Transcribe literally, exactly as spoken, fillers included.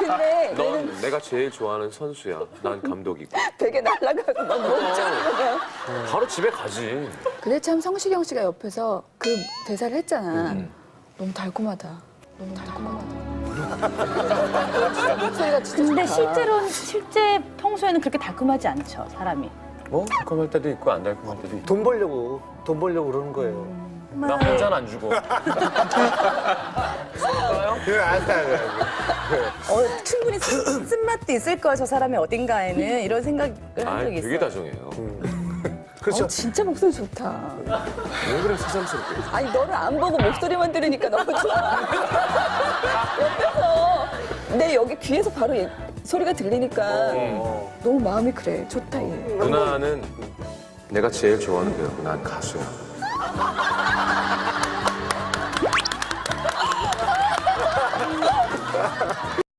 근데 넌 내가 제일 좋아하는 선수야. 난 감독이고. 베개 날아가고 넌 몸짱이야. 바로 집에 가지. 근데 참 성시경 씨가 옆에서 그 대사를 했잖아. 너무 달콤하다. 너무 달콤하다. 목소리가 진짜 근데 좋다. 실제로는 실제 평소에는 그렇게 달콤하지 않죠, 사람이. 뭐 달콤할 때도 있고 안 달콤할 때도 있고. 돈 벌려고 돈 벌려고 그러는 거예요. 나 혼자는 안 주고. 그래 알았어 알았어. 어, 충분히 쓴- 쓴맛도 있을 거야, 저 사람이 어딘가에는. 이런 생각을 한 아, 적이 되게 있어요. 다정해요. 그렇죠. 어, 진짜 목소리 좋다. 왜 그래 새삼스럽게. 아니 너를 안 보고 목소리만 들으니까 너무 좋아. 옆에서 내 여기 귀에서 바로 얘- 소리가 들리니까 어. 너무 마음이 그래. 좋다 얘. 누나는 내가 제일 좋아하는 배우고 난 가수야.